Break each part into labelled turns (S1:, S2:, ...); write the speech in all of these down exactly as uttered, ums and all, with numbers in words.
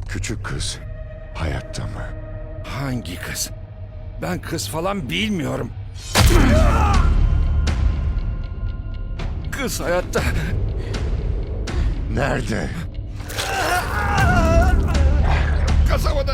S1: Küçük kız hayatta mı?
S2: Hangi kız? Ben kız falan bilmiyorum. Kız hayatta.
S1: Nerede?
S2: Kasabada.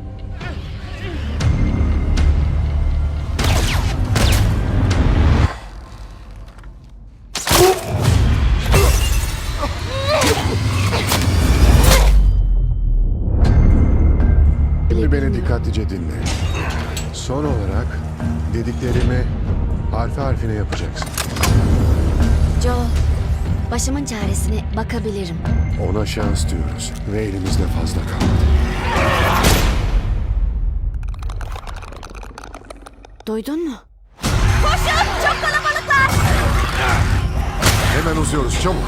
S1: Şimdi beni dikkatlice dinle. Son olarak dediklerimi harfi harfine yapacaksın.
S3: Joe, başımın çaresine bakabilirim.
S1: Ona şans diyoruz ve elimizde fazla kalmadı.
S3: Duydun mu?
S1: Hemen uzuyoruz, çabuk.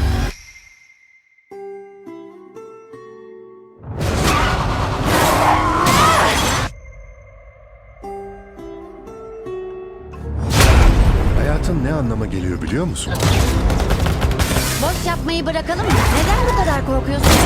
S1: Hayatın ne anlama geliyor biliyor musun?
S3: Boş yapmayı bırakalım mı? Neden bu kadar korkuyorsun?